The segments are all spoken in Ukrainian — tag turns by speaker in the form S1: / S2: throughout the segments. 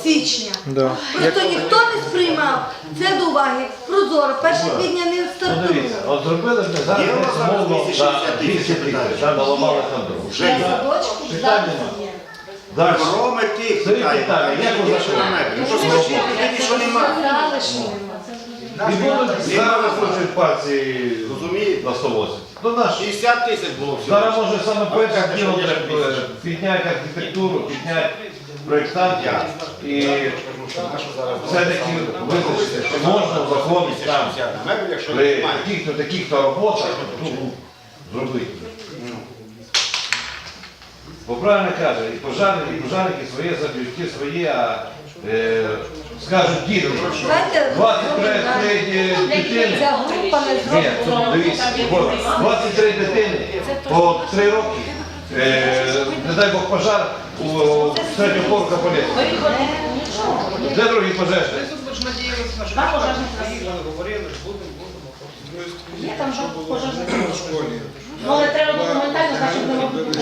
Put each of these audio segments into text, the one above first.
S1: січня.
S2: Да.
S1: Просто ніхто не сприймав це до уваги. Прозоро, 1 квітня не стартує.
S3: Дивіться, от зробили б зараз умовно за 200 тисяч, там наламали там дорогу.
S1: Для садочків зараз є.
S3: Далі.
S4: Роми тих
S3: Це
S4: питає,
S3: питання, як ви
S4: що на мебель? Ну що скажіть, тоді що немає.
S1: Сказали, що нема.
S3: І будуть зараз викручують пальці
S4: Розумієте?
S3: на 180. Ну наш.
S4: 60 тисяч було всього.
S3: Зараз може саме перше діло треба підняти архітектуру, підняти проєктантів і все-таки визначити, що можна в законі там при таких-то роботах зробити. Бо правильно каже, і пожарники своє заб'ють, ті свої, а скажуть діти, 23 дитини.
S1: Ця група не
S3: Ні,
S1: зробила.
S3: дивіться, 23 дитини по 3 роки, не дай Бог пожар у середнього порука поліції. Де другі пожежні?
S5: Є там же пожежні. Ну, але треба документально, значить, не можуть.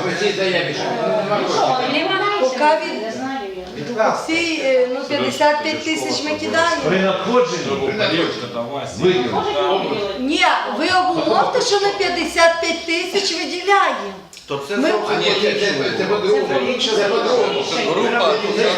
S1: Поки всі 55 тисяч ми кидаємо.
S3: При надходженні виділили.
S1: Ні, ви обумовте, що ми 55 тисяч виділяємо.
S4: То це
S1: Ми-
S4: зовсім
S6: Це по-другому. Це по-другому. Група.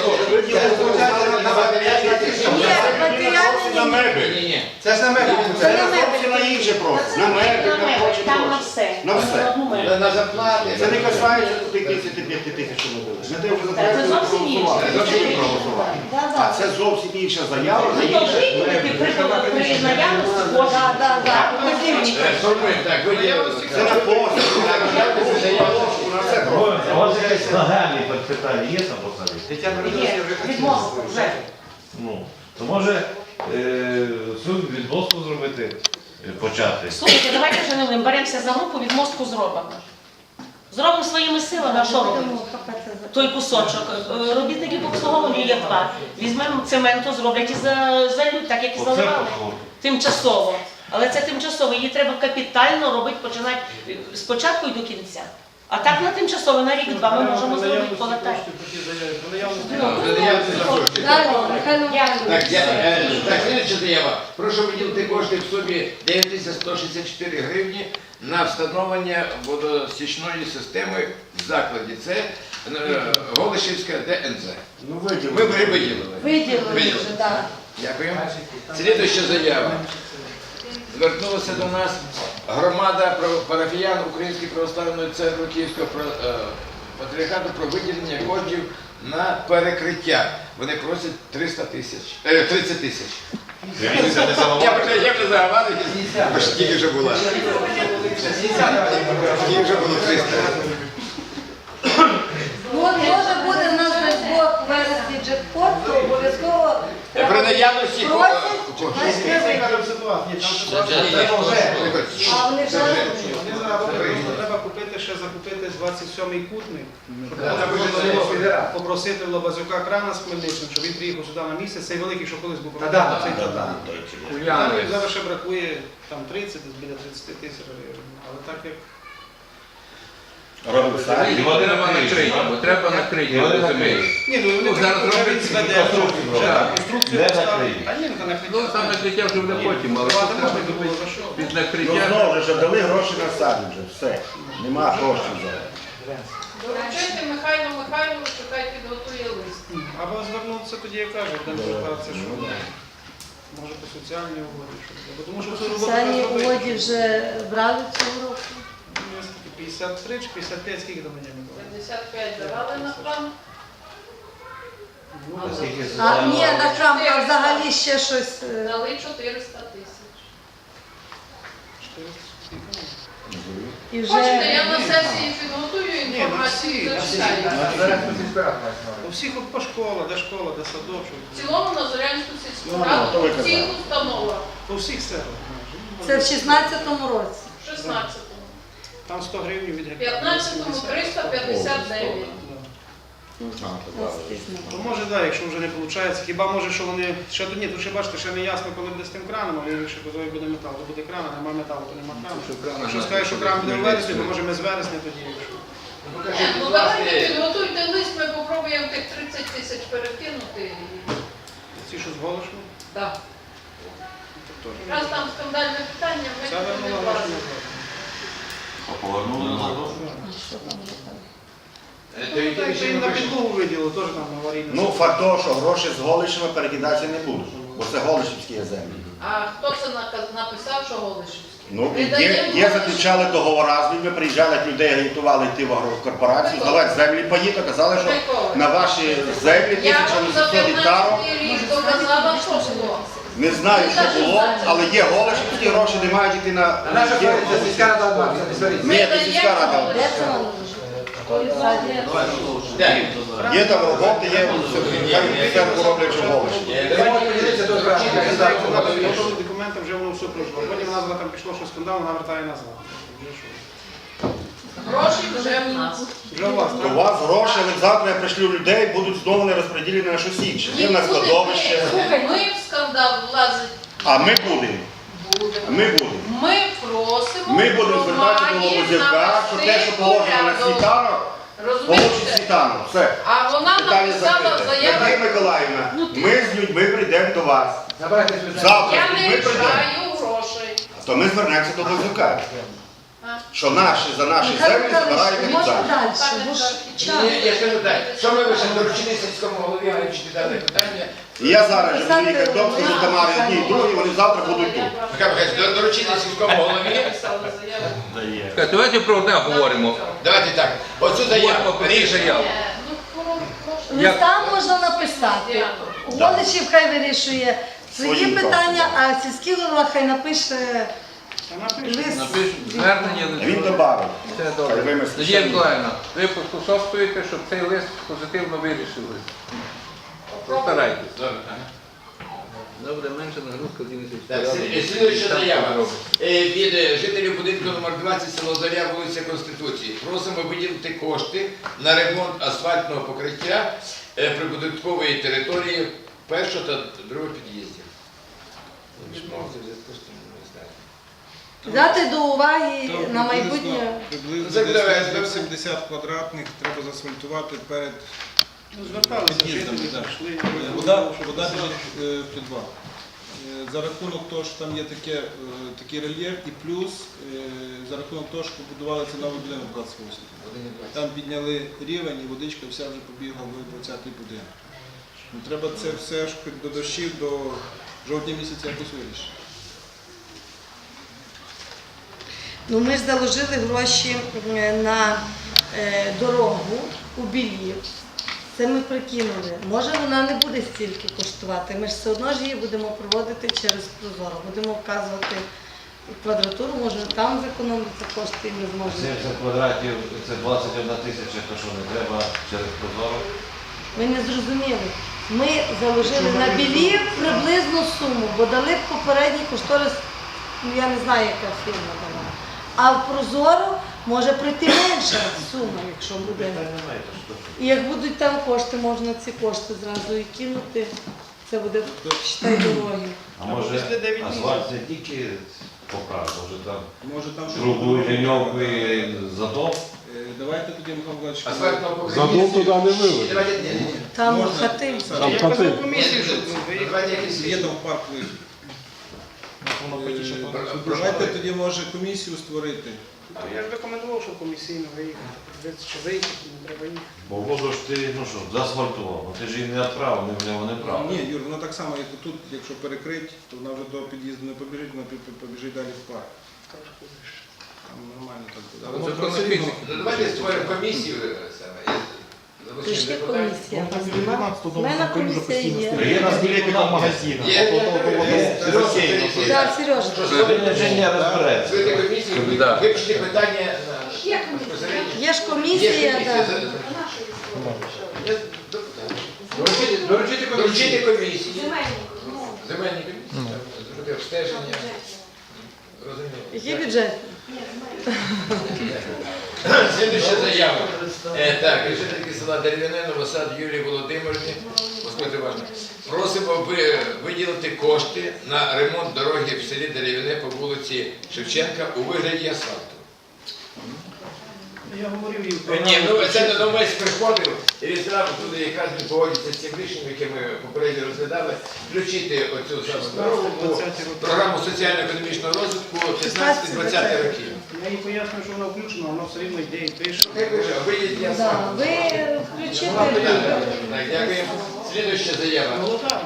S1: Ні, матеріально
S4: на
S1: ні.
S4: мебель.
S6: Це ж на мене.
S4: Це зовсім на інше просто. На мебель, на прочі
S5: Там на
S4: гроші.
S5: все.
S4: На все.
S6: На зарплати.
S4: Це не касається тих 55 тисяч, що ми дали. Ми те вже
S5: Це зовсім інше.
S4: проголосували. А це зовсім інша заява.
S5: Ну, то жити при наявності кожного.
S1: Так.
S6: Так, виділили.
S4: Це на пост. На все просто.
S3: У вас якесь нагальне питання є там посаді?
S5: Є, відмовку вже.
S3: Ну, то може суд від мосту зробити, почати.
S5: Слухайте, давайте вже не будемо, беремося за групу, від мостку зробимо. Зробимо своїми силами, а що робимо? Той кусочок. Робітники по обслуговуванню є 2. Візьмемо цементу, зроблять і зальють, так як і
S3: Оце
S5: заливали.
S3: пошло.
S5: Тимчасово. Але це тимчасово, її треба капітально робити, починати спочатку і до кінця. А так на тимчасово, на рік-два ми можемо зробити полетати.
S1: Далі, Михайло
S6: Так, так, слідча заява. Прошу виділити кошти в сумі 9164 гривні на встановлення водостічної системи в закладі. Це Голишівська ДНЗ.
S4: Ну,
S6: Ми вже виділили.
S1: виділили вже, так.
S6: Дякую. Слідуюча заява. Звернулася до нас громада парафіян Української православної церкви Київського патріархату про виділення коштів на перекриття. Вони просять 30 тисяч. Я вже заговорив, бо ж тільки вже була. Тільки вже було 300.
S1: Ну, от може буде в нас на Бог в вересні джекпот, то обов'язково
S6: При наявності
S1: просять, а вони вже
S7: Треба купити ще закупити 27-й кутник. Попросити в Лобазюка крана з Хмельниччини, щоб він приїхав сюди на місце. Цей великий, що колись був цей зараз ще бракує там 30, десь біля 30 тисяч гривень. Але так як
S3: І вони
S8: Треба накрити землі.
S7: ні, ну вони
S8: зараз
S7: вже
S8: роблять
S7: відзведе,
S3: конструкцію
S7: вже
S3: роблять.
S7: конструкцію
S3: Де
S7: поставили.
S3: накриють?
S7: А ні, ну то накриття.
S8: Ну, там накриття вже буде потім, але
S7: Давати
S8: треба
S7: можна було за що?
S8: під
S4: Ну,
S8: накриття.
S4: знову ж, дали гроші на садик вже, все. Нема коштів зараз.
S9: Доручайте Михайлу Михайловичу, хай підготує лист.
S7: Або звернутися тоді, я кажу, де звертатися, що може по соціальній угоді. Бо тому що цю роботу
S1: Сані
S7: треба зробити.
S1: Угоді вже брали цього року.
S7: Ну, скільки, 53 чи 55, скільки до мене було?
S9: 55 давали на план.
S1: А ні, на храм а взагалі ще щось.
S9: Дали 400 тисяч.
S1: І
S9: Хочете,
S1: вже
S9: я на сесії підготую інформацію, зачитаю.
S7: У всіх от по школах, де школа, де садочок.
S9: В цілому на Зорянську сільську
S4: Ну,
S9: раду,
S4: то ви
S9: у всіх
S4: казали.
S9: установах,
S7: По всіх селах.
S1: це в 16-му році.
S9: в 16-му.
S7: Там 100 гривень від
S9: В
S7: гектара.
S9: 15-му 359.
S7: То може, так, якщо вже не виходить, хіба може, що вони ще тут ні, тут ще бачите, ще не ясно, коли буде з тим краном, але якщо казали, буде метал, то буде кран, а немає металу, то немає крану. Якщо скажеш, що кран буде в вересні, то може ми з вересня тоді, якщо.
S6: покажіть,
S9: Ну
S6: будь
S9: давайте
S6: ласка.
S9: підготуйте лист, ми попробуємо тих 30 тисяч перекинути.
S7: Ці, що з Голошми?
S9: Так. Раз там скандальне питання, ми
S7: Це
S9: не
S7: вернула
S9: бачимо.
S3: Повернули назад.
S6: То які
S7: Так,
S6: ще
S7: їм
S6: ми
S7: на
S6: пишемо?
S7: підлогу виділили, теж там аварійне.
S4: Ну, факт того, що гроші з Голишами перекидатися не будуть, бо це Голишівські землі.
S9: А хто це написав, що Голишівський?
S4: Ну,
S9: Ми
S4: є
S9: даємо
S4: заключали договори з людьми, приїжджали як людей, агітували йти в агрокорпорацію, здавати землі паї, то казали, що на ваші землі
S9: Я вам за
S4: 1800 гектарів.
S9: 15 рік доказала, що було.
S4: Не знаю, що було, але є Голишівські гроші, не мають йти на...
S6: Це сільська рада.
S4: Ні, це сільська рада.
S1: Де це воно
S6: Де?
S4: Є там роботи, є все роблять, що Голиші.
S6: Давайте подивіться до
S7: Готові документи, вже воно все пройшло. Потім назва там пішло, що скандал, вона вертає назад. Вже що?
S9: Гроші вже в нас.
S7: Вже у вас,
S4: У
S7: так?
S4: вас гроші, але завтра я пришлю людей, будуть знову не розподілені на щось інше. Є на складовище,
S9: Слухай, ми в скандал влазить.
S4: а ми будемо. Ми будемо.
S9: Ми просимо
S4: Ми будемо звертатися до Лобозівка, що те, що положено на світанок, получить
S9: Розумієте?
S4: світанок. Все.
S9: А вона
S4: Питання
S9: написала
S4: закрите.
S9: заяву.
S4: Надія Миколаївна, ми з людьми прийдемо до вас. Завтра
S9: Я
S4: з
S9: не
S4: людьми прийдемо.
S9: рішаю грошей.
S4: То ми звернемося до Лобозівка.
S9: А?
S4: Що наші за наші землі збирають
S1: Можна
S4: капітал.
S1: далі, бо ж час.
S6: Ні, я скажу так, що ми лише доручили сільському голові вивчити дане питання.
S4: І я зараз же буду їхати вдома, скажу Тамарі одні і другі, вони завтра будуть тут.
S6: Михайло Михайлович, доручили сільському голові.
S9: Написала заяву.
S8: Так, давайте про одне говоримо.
S6: Давайте так, оцю заяву
S8: Говоримо про цю
S6: рішення.
S8: заяву.
S1: Листа можна написати. Голишів хай вирішує свої
S4: Своїм
S1: питання, а сільський голова хай напише
S7: Та напишіть.
S1: лист.
S8: Звернення
S4: Він
S8: лише.
S4: добавив.
S8: Все
S4: Хай
S8: добре.
S4: вимисли.
S8: Надія Миколаївна, ви поспособствуєте, щоб цей лист позитивно вирішили. Постарайтесь.
S6: Добре.
S8: Добре, менше нагрузка
S6: Так, слідуюча заява. Від жителів будинку номер 20 село Зоря, вулиця Конституції. Просимо виділити кошти на ремонт асфальтного покриття прибудинкової території першого та другого під'їздів.
S1: Взяти до уваги на майбутнє.
S7: Приблизно
S6: Заглядає,
S7: десь 70 квадратних треба заасфальтувати перед зверталися
S2: Під'їздами,
S7: жителі,
S2: так.
S7: пішли.
S2: Вода біжить в підвал. За рахунок того, що там є такий рельєф, і плюс за рахунок того, що побудували це новий будинок 28. Там підняли рівень і водичка вся вже побігла в 20-й будинок. Ну, треба це все ж хоч до дощів, до жовтня місяця якось вирішити.
S1: Ну, ми ж заложили гроші на дорогу у Білів. Це ми прикинули. Може вона не буде стільки коштувати. Ми ж все одно ж її будемо проводити через Прозоро. Будемо вказувати квадратуру, може там зекономити кошти і ми зможемо.
S3: 70 квадратів це 21 тисяча, то що не треба через Прозоро.
S1: Ми не зрозуміли. Ми заложили на Білів приблизну суму, бо дали попередній кошторис, ну я не знаю, яка фірма дала. А в Прозоро може прийти менша сума, якщо буде. І як будуть там кошти, можна ці кошти зразу і кинути. Це буде, считай, дороги.
S3: А може
S7: після 9
S3: асфальт не тільки поправ, може там
S2: Може там щось
S3: трубу,
S2: буде.
S3: ліньовку і задов.
S2: Давайте тоді, Михайло Миколаївич,
S6: Асфальтного покриття.
S10: Задум туди не вивели.
S6: Давайте, ні.
S1: Там
S2: Можна
S1: хати.
S2: написати.
S7: Я казав комісію, щоб виїхати.
S6: Давайте якісь
S2: Є там парк вихід. Давайте тоді може комісію створити.
S7: Я ж рекомендував, щоб комісійно виїхати. Чи виїхати, не треба їхати.
S3: Бо воду ж ти, ну що, заасфальтував, ну ти ж її не відправив, не в нього не прав.
S2: Ні, Юр, воно так само, як і тут, якщо перекрить, то вона вже до під'їзду не побіжить, вона побіжить далі в парк. Там нормально так буде. Але
S8: Це
S2: це
S8: про
S2: все рівно.
S6: Ну, давайте створимо комісію саме.
S1: Прийшли комісія, у вас нема? У мене комісія є.
S3: Є на білетиках магазину.
S1: Так, Сережа.
S3: Інженер розбереться.
S6: Створити комісію,
S8: Да.
S6: вивчити питання безпосередньо.
S1: Є ж комісія, так.
S6: Доручити комісії. Земельні комісії. Зробити обстеження. Розуміло.
S1: Який бюджет?
S6: Слідуюча заява. Так, жительки села Дерев'яне, Новосад Юлії Володимирівні. Послухайте уважно. Просимо виділити кошти на ремонт дороги в селі Дерев'яне по вулиці Шевченка у вигляді асфальту.
S7: Я говорив і
S6: Ні, ну це Донбас приходив, і він зразу туди якраз він погодиться з цим рішенням, яке ми попередньо розглядали, включити оцю саму дорогу по програму соціально-економічного розвитку 15-20 років.
S7: Я їй пояснюю, що вона включена, воно все рівно йде і пише.
S6: Виїдь, я
S1: Да,
S6: сам.
S1: ви включите.
S6: Так, дякуємо. Слідуюча заява.
S7: Молода.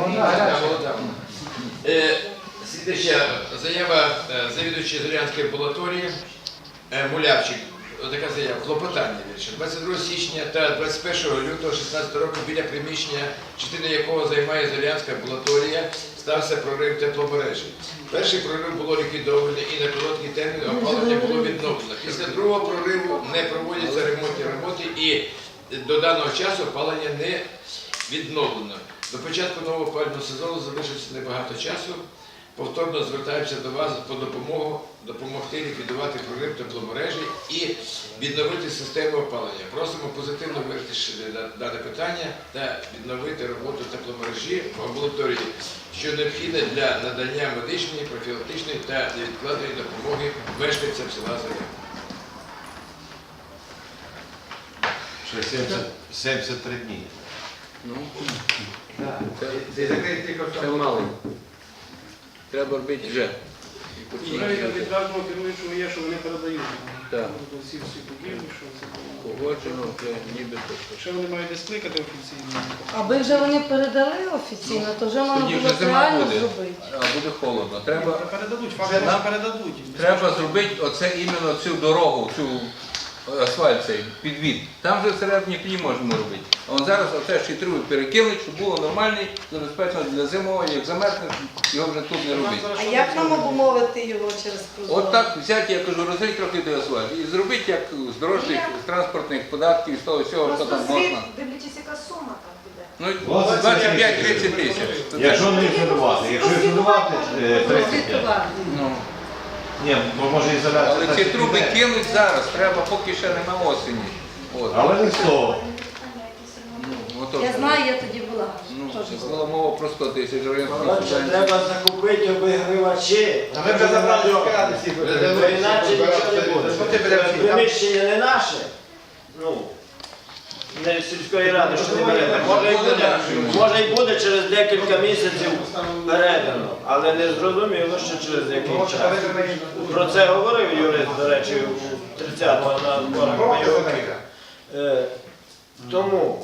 S6: Слідуюча заява завідувача Зорянської амбулаторії Мулявчик. Отака заява. Клопотання більше. 22 січня та 21 лютого 2016 року біля приміщення, частина якого займає Зорянська амбулаторія, стався прорив тепломережі. Перший прорив було ліквідовано і на короткий термін опалення було відновлено. Після другого прориву не проводяться ремонтні роботи і до даного часу опалення не відновлено. До початку нового опалювального сезону залишиться небагато часу. Повторно звертаємося до вас по допомогу, допомогти ліквідувати прорив тепломережі і відновити систему опалення. Просимо позитивно вирішити дане питання та відновити роботу тепломережі в амбулаторії, що необхідне для надання медичної, профілактичної та невідкладної допомоги мешканцям села Зоря.
S3: Ще 73 дні.
S8: Ну, це мало. Треба робити вже. І
S7: Вже від кожного керуючого є, що вони передають.
S8: Так.
S7: До всіх будівлі, що це.
S8: Погоджено, вже ніби
S7: Ще вони мають десь кликати офіційно.
S1: Аби вже вони передали офіційно, то вже можна
S8: Тоді
S1: було
S8: вже зима
S1: реально
S8: буде.
S1: зробити.
S8: А буде холодно. Треба
S7: Передадуть, фактично передадуть.
S8: Треба зробити оце іменно цю дорогу, цю асфальт цей підвід. Там вже всередині клі можемо робити. А он зараз оце шитру перекинуть, щоб було нормальний, забезпечено для зимового, як замерзне, його вже тут не робити.
S1: А як нам обумовити його через прозоро?
S8: От так взяти, я кажу, розрить трохи той асфальт і зробити як з дорожніх, з транспортних податків, з того всього, що там можна.
S10: Дивлячись, яка сума там буде.
S8: Ну, 25-30 тисяч.
S3: Якщо не ізолювати, якщо ізолювати 35.
S1: Звітувати.
S8: Ну.
S3: Ні, бо може ізоляція.
S8: Але
S3: так
S8: ці
S3: і
S8: труби
S3: піде.
S8: кинуть зараз, треба, поки ще нема осені. От.
S3: Але не з того.
S8: Ну, ото
S1: Я
S8: ж.
S1: знаю, я тоді була.
S8: Ну,
S1: Теж
S8: це була мова про 100 тисяч гривень.
S11: Треба закупити обігрівачі. Ми вже забрали всіх. Іначе нічого не буде. Приміщення не наше. Ну, не сільської ради, що не берете. Може і буде через декілька місяців передано, але не зрозуміло, що через який час. Про це говорив юрист, до речі, у 30-го на зборах бойовика. Тому,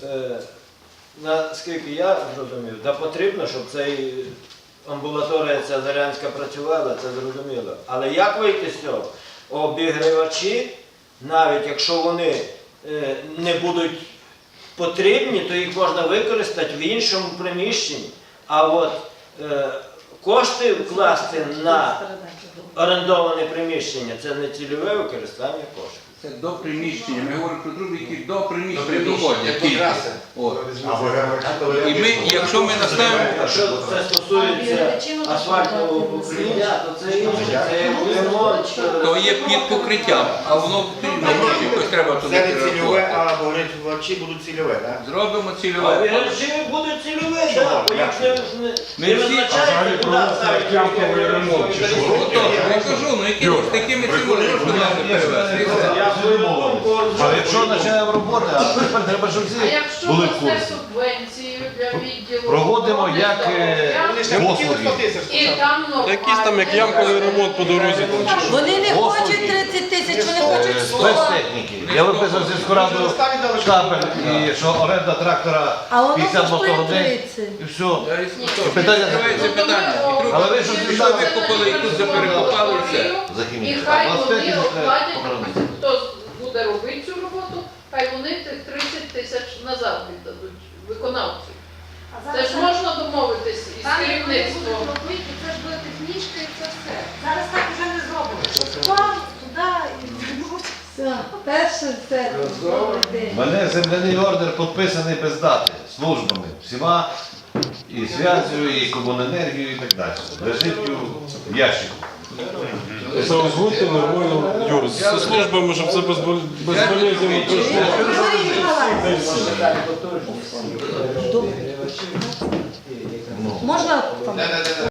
S11: наскільки я зрозумів, та потрібно, щоб цей амбулаторія ця Зорянська працювала, це зрозуміло. Але як вийти з цього? Обігрівачі, навіть якщо вони не будуть потрібні, то їх можна використати в іншому приміщенні. А от кошти вкласти на орендоване приміщення – це не цільове використання коштів.
S8: Це до приміщення. Ми говоримо про труби, які до приміщення
S6: приміщення,
S8: доходять.
S6: до траси.
S8: От. І ми, якщо ми наставимо,
S11: Якщо це стосується асфальтового покриття, то це інше, це як ремонт.
S8: то є під покриттям, а воно потрібно гроші, якось треба туди
S4: Це не цільове,
S8: перерахувати.
S4: а обігрівачі будуть цільове, так?
S8: Зробимо
S11: А
S8: цільове.
S11: вірші будуть цільові, так, бо їх
S8: Ми
S11: не
S8: всі-
S11: визначається, куди ставити ямковий ремонт.
S8: Отож, я кажу, ну які ж такими цими грошами не перевезти.
S11: Я свою думку
S3: Але якщо починаємо роботи, а тепер треба, щоб
S9: А
S3: всі
S9: якщо
S3: були в
S9: дасте
S3: курсі.
S9: субвенцію для відділу
S3: Проводимо
S9: охорони
S3: як,
S9: здоров'я,
S7: Вони ж не хотіли 100 тисяч.
S9: і там нормально.
S12: Якийсь там як ямковий ремонт по дорозі.
S1: Вони не
S3: Послуги.
S1: хочуть 30 тисяч, вони хочуть 100.
S3: Спецтехніки. Я виписав зі скораду штабель, і що оренда трактора
S1: А воно
S3: 50
S1: коштує
S3: мотогодин,
S1: 30.
S3: і все. Питання
S8: Відкривається питання. І трубу
S3: Але ви що
S8: пішли,
S3: зібрали?
S8: викопали, і тут заперекопали, і все.
S3: За
S9: І
S3: хімію.
S9: хай
S3: А
S9: вони
S3: 25
S9: оплатять,
S3: похоронити.
S9: хто буде робити цю роботу, хай вони тих 30 тисяч назад віддадуть виконавцю. Це ж можна домовитись із керівництвом.
S10: Це ж буде технічка і це все. Зараз так вже не зробимо. План туди і
S1: Все, перше все. Добрий
S3: У
S1: день.
S3: мене земляний ордер підписаний без дати, службами, всіма, і зв'язю, і комуненергію, і так далі. Лежить в ящику.
S12: Це озвучте нормально, Юр, зі службами, щоб це безболезненно пройшло.
S1: Юрій Миколаївич, можна там?